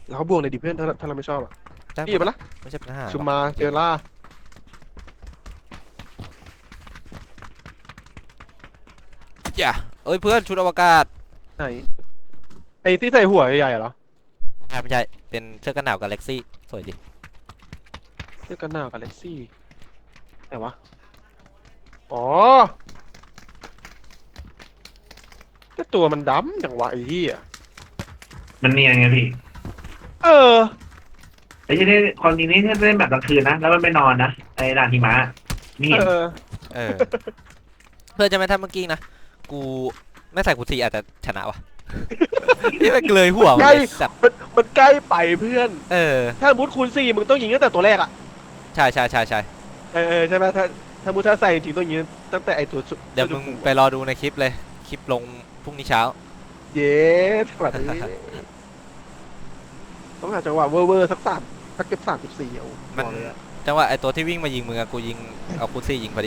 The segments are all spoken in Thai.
แล้วเขาบวกในดิเพื่อนถ้าเราไม่ชอบอ่ะได้หมพี่ดไปละไม่ใช่ปัญหาชุมมาเจอล่าอย่าเอ้ยเพื่อนชุดอวกาศไหนไอ้ที่ใส่หัวใหญ่ๆเหรอไม่ใช่เป็นเสื้อกันหนาวกาแล็กซี่สวยดีเสื้อกันหนาวกาแล็กซี่ไหนวะอ๋อแต่ตัวมันดำจังวะไอ้ที่อ่ะมันเนียนไงพี่เออไอ้ที่นี่ความจริงนี่ถ้าเล่นแบบกลางคืนนะแล้วมันไม่นอนนะไอ้ด่านหิมะนี่เออเออ เพื่อนจะไม่ทำเมื่อกี้นะกูไม่ใส่กูซีอาจจะชนะวะ นี่มันเลยหัวมันใกล้เลยสัตว์มันใกล้ไปเพื่อนเออถ้ามุดคูณ4มึงต้องยิงตั้งแต่ตัวแรกอ่ะใช่ใช่ใช่ใช่ใช่ไหมถ้ามุดถ้าใส่จริงๆต้องยิงตั้งแต่ไอ้ตัวสุดเดี๋ยวมึงไปรอดูในคลิปเลยคลิปลงพรุ่งนี้เช้าเย้แบบนี้ต้องหาจังหวะเวอร์สักสักเก็บ34เอามันบอกเลยอะจังหวะไอตัวที่วิ่งมายิงมึงอะกูยิงเอาคูซี่ยิงพอดี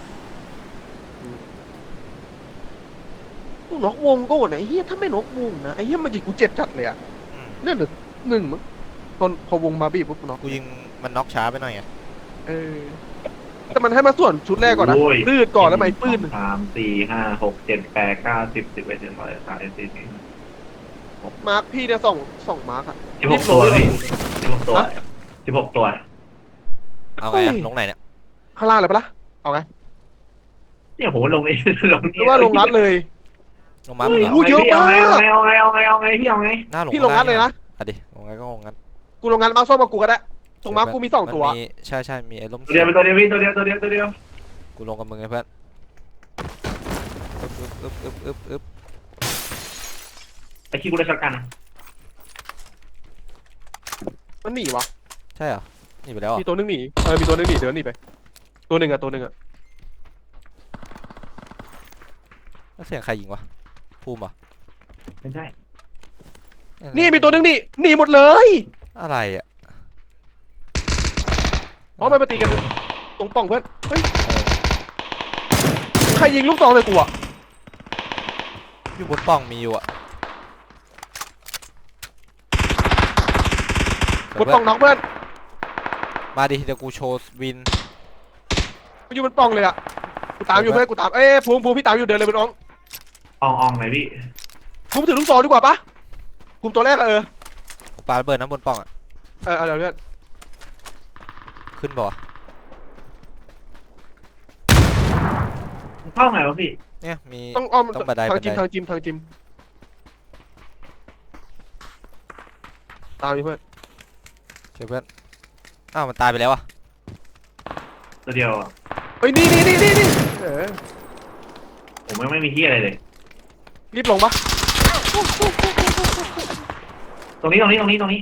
ต้องน็อกวงก็หมดไอ้เหี้ยถ้าไม่น็อกวงนะไอ้เหี้ยมันยิงกูเจ็บจัดเลยอ่ะอืมเนี่ยเหลือ1มั้งตอนพอวงมาบีบปุ๊บน็อกกูยิงมันน็อกช้าไปหน่อยไงเออแต่มันให้มาส่วนชุดแรกก่อนนะโอ้ยปืดก่อนแล้วไม่ปืด 3 4 5 6 7 8 9 10 11 12 13 14 มาร์คพี่เนี่ยสองมาร์คอะ 16 ตัวพี่16 ตัว16 ตัวเอาไงอะลงไหนเนี่ยข้างล่างเลยปะล่ะเอาไงเนี่ยผมลงเอง ลงหรือว่าลงรัดเลยลงมามึงเหรออุ้ยเยอะมากเอาไงพี่เอาไงหน้าลงพี่ลงรัดเลยนะอ่ะดิลงไงก็ลงงั้นกูลงงานมาร์คส้มกับกูก็ได้ตรงมาร์คกูมี2 ตัวมันมีใช่ใช่มีไอ้ล้มตัวเดียวตัวเดียวพี่ตัวเดียวกูลงกับมึงไงเพื่อนอึ๊บไอ้ขี้กูได้ช็อตกันมันหนีวะใช่เหรอหนี่ไปแล้วเหรมีอ่ะตัวนึงหนีมีตัวนึงหนีเดินหนีไปตัวหนึ่งอะแล้วเสียงใครยิงวะภูมิเหรอไม่ใช่นี่มีตัวนึงหนีหมดเลยอะไรอ่ะเพราะมันมาตีกันตรงป่องเพื่อนเฮ้ยใครยิงลูกซองใส่กูอะอยู่บนปล่องมีอยู่อ่ะกดป่องน็อกเพื่อนมาดิเดี๋ยวกูโชว์วินกูอยู่บนป่องเลยอะกูตามอยู่เพื่อนกูตามภูมิพี่ตามอยู่เดินเลยเป็นน้องอ่องไหนพี่ภูมิถือลูกซองดีกว่าปะภูมิตัวแรกอะกูปาระเบิดน้ำบนปล่องอ่ะเดี๋ยวเพื่อนขึ้นบ่วะเข้าไงวะพี่เนี่ยมีต้องอ้อมต้องบันไดทางจิมตามอยู่เพื่อนเจอเพื่อนอ้าวมันตายไปแล้วอ่ะตัวเดียวเฮ้ยนี่เออผมไม่มีที่อะไรเลยรีบลงปะตรงนี้อะไรเนาะ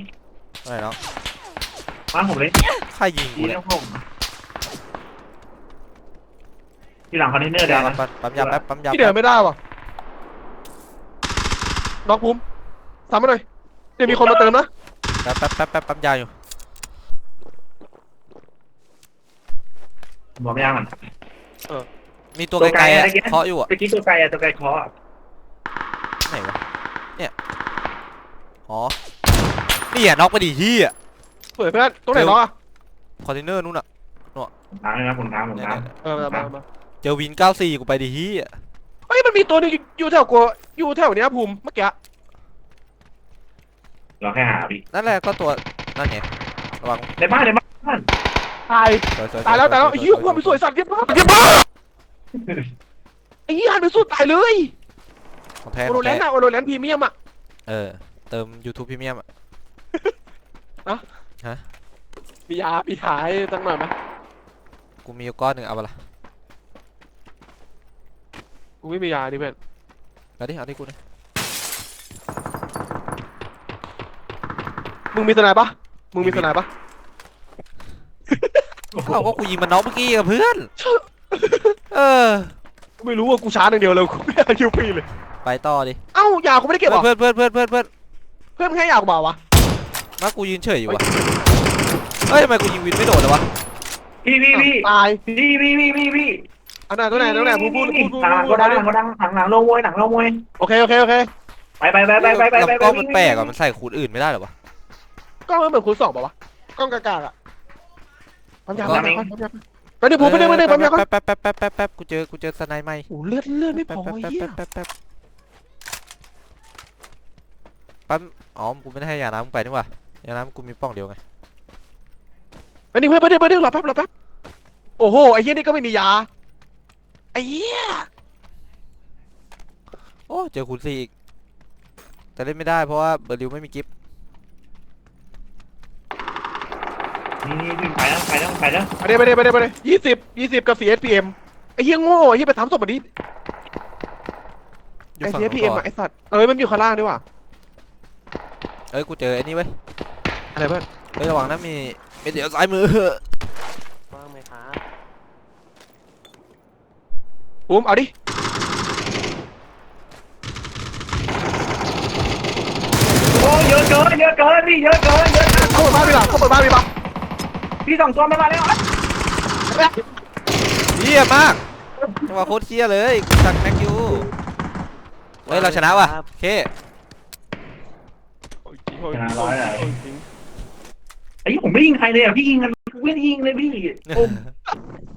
มาผมเลยใครยิงกูที่เนี่ยน้ำผมที่หลังคอนเทนเนอร์แดงนะปั๊มยาแป๊บปั๊มยาพี่เดินไม่ได้ว่ะน็อกภูมิซ้ำมาหน่อยเดี๋ยวมีคนมาเติมนะแป๊บปั๊มยาอยู่บอกไม่ยังมันมีตัวไกลๆอะเคาะอยู่อ่ะตะกี้ตัวไกลเคาะไหนวะเนี่ยอ๋อนี่อ่ะน็อกไปดิที่อ่ะเปิดเพื่อนตรงไหนน็อกอะคอนเทนเนอร์นู่นอ่ะผมทางเลยนะผมทางมาเจอวิน94กูไปดิที่อ่ะเฮ้ยมันมีตัวนึงอยู่แถวกูอยู่แถวเนี้ยภูมิเมื่อกี้เราแค่หาพี่นั่นแหละก็ตัวนั่นไงระวังในบ้านตายสวยตายแล้วไอ้เหี้ยกูไปสวยสัตว์เยี่ยมมากไอ้เหี้ยหันไปสู้ตายเลยของแท้โอโรแลนด์อะโอโรแลนด์พรีเมียมอะเออเติม YouTube พรีเมียมอ่ะมียามีขายตั้งหน่อยไหมกูมีอยู่ก้อนหนึ่งเอาไปละกูไม่มียาดิเพื่อนเอาดิกูนะมึงมีสไนปะมึงมีสไนปะเอาก็กูยิงมันน็อกเมื่อกี้กับเพื่อนเออกูไม่รู้ว่ากูชาร์จอย่างเดียวเลยกูไม่เอาคิวฟรีเลยไปต่อดิเอ้ายากูไม่ได้เก็บหรอเพื่อนเพื่อนให้ยากูมาวะมากูยืนเฉยอยู่วะเฮ้ยทำไมกูยิงวินไม่โดดเลยวะพี่ตายพี่อันไหนตัวไหนพูดหลังก็ดังหลังโลมวยโอเคไปกล้องมันแปลกอ่ะมันใส่คูดอื่นไม่ได้หรอวะกล้องมันเหมือนคูณ2ป่าวะกล้องกากๆอ่ะปั๊มยาปั๊ปั๊มมเอยาง ก่อนไปดิผมไปดิปั๊มยาก่อนแป๊บกูเจอสไนใหม่โอ้เลือดไม่พอเหี้ยแป๊บปั๊มอ๋อกูไม่ได้ให้ยาน้ำมึงไปนี่หว่ายาน้ำกูมีป้องเดียวไงไปดิเพื่อนไปดิรอแป๊บโอ้โหไอ้เหี้ยนี่ก็ไม่มียาไอ้เหี้ยโอ้เจอคูณ4อีกแต่เล่นไม่ได้เพราะว่าเบอร์ริวไม่มีกิฟต์นี่วิ่งไปแล้วไปแล้วไปดิ20กับ CSPM ไอ้เหี้ยโง่ไอ้เหี้ยไปทำศพมันดิอยู่ไอ้ฝั่งนู้น CSPM ก่ออ่ะนไอ้สัตว์มันอยู่ข้างล่างด้วยว่ะเอ้ยกูเจอไอ้นี่เว้ยอะไรเพื่อนเฮ้ยระวังนะมีเดี๋ยวซ้ายมือว่างไหมครับปุ้มเอาดิโอ้เยอะเกินพี่เยอะเกินเข้าเปิดบ้านไปป่ะพี่2 ตัวไม่มาแล้วเฮี้ยมากจังหวะโคตรเฮี้ยเลยจากแม็กยูเฮ้ยเราชนะว่ะโอเคชนะ100เลยไอ้ผมไม่ยิงใครเลยอ่ะพี่ยิงกันไม่ยิงเลยพี่